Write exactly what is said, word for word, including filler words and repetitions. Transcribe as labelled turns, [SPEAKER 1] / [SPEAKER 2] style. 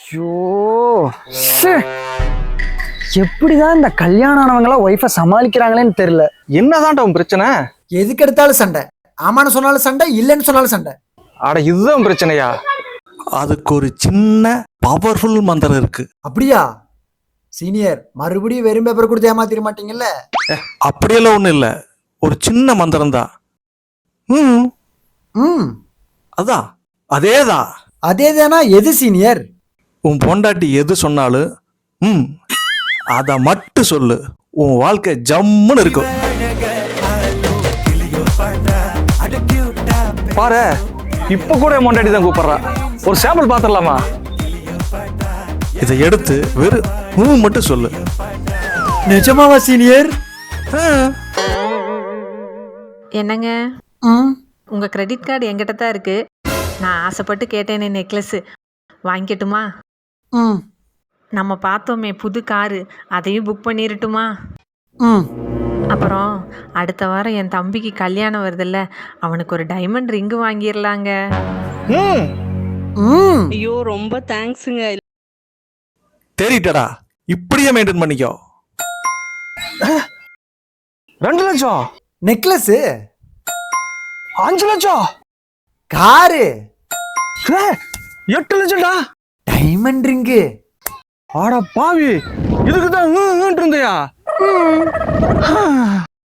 [SPEAKER 1] ஐயோ, எப்படிதான் இந்த கல்யாணம் ஆனவங்களா ஒய்ஃபை சமாளிக்கிறாங்களேன்னு தெரியல.
[SPEAKER 2] என்னதான் உன் பிரச்சனை?
[SPEAKER 3] எதுக்கு எடுத்தாலும் சண்டை. ஆமான்னு சொன்னாலும் சண்டை, இல்லைன்னு சொன்னாலும் சண்டை.
[SPEAKER 2] அட இதுதான் பிரச்சனையா?
[SPEAKER 4] அதுக்கு ஒரு சின்ன பவர்ஃபுல் மந்திரம் இருக்கு.
[SPEAKER 3] அப்படியா சீனியர்? மறுபடியும் வெறும் பேப்பர் கொடுத்து ஏமாத்திர மாட்டீங்கல்ல?
[SPEAKER 4] அப்படியெல்லாம் ஒண்ணும் இல்ல, ஒரு சின்ன மந்திரம் தான். ம்
[SPEAKER 3] ம்
[SPEAKER 4] அதான் அதேதான்.
[SPEAKER 3] அதே தானா? எது சீனியர்?
[SPEAKER 4] உன் பொண்டாட்டி எது சொன்னாலும் ம் அத மட்டும் சொல்லு, உன் வாழ்க்கை ஜம்முன்னு இருக்கும்.
[SPEAKER 2] பாரு, இப்ப கூட என் பொண்டாட்டி தான் கூப்பிடுறா. ஒரு சாம்பிள் பாத்திரலாமா?
[SPEAKER 4] இதை எடுத்து வெறும் ம் மட்டும் சொல்லு.
[SPEAKER 3] நிஜமாவா சீனியர்?
[SPEAKER 4] ஆ.
[SPEAKER 5] என்னங்க,
[SPEAKER 3] ம்
[SPEAKER 5] உங்க கிரெடிட் கார்டு என்கிட்ட தான் இருக்கு. நான் ஆசைப்பட்டு கேட்டேனே நெக்லஸ், வாங்கிக்கட்டுமா?
[SPEAKER 3] ம்
[SPEAKER 5] நம்ம பார்த்தோமே புது காரு, அதையும் புக் பண்ணிடட்டுமா?
[SPEAKER 3] ம்
[SPEAKER 5] அப்புறம் அடுத்த வாரம் என் தம்பிக்கு கல்யாணம் வருதுல்ல, அவனுக்கு ஒரு டைமண்ட் ரிங்கு வாங்கிடலாங்க.
[SPEAKER 2] ம்
[SPEAKER 3] ம்
[SPEAKER 6] ஐயோ ரொம்ப தேங்க்ஸுங்க.
[SPEAKER 4] தெரிட்டடா, இப்படியே மெயின்டைன் பண்ணிக்கோ.
[SPEAKER 2] ரெண்டு லட்சம்,
[SPEAKER 3] நெக்லஸ்,
[SPEAKER 2] அஞ்சு லட்சம்,
[SPEAKER 3] காரு,
[SPEAKER 2] ஏய், எட்டு லட்சம்டா.
[SPEAKER 3] Diamond ring.
[SPEAKER 2] ஆட பாவி, இதுக்கு தான் இருந்தியா?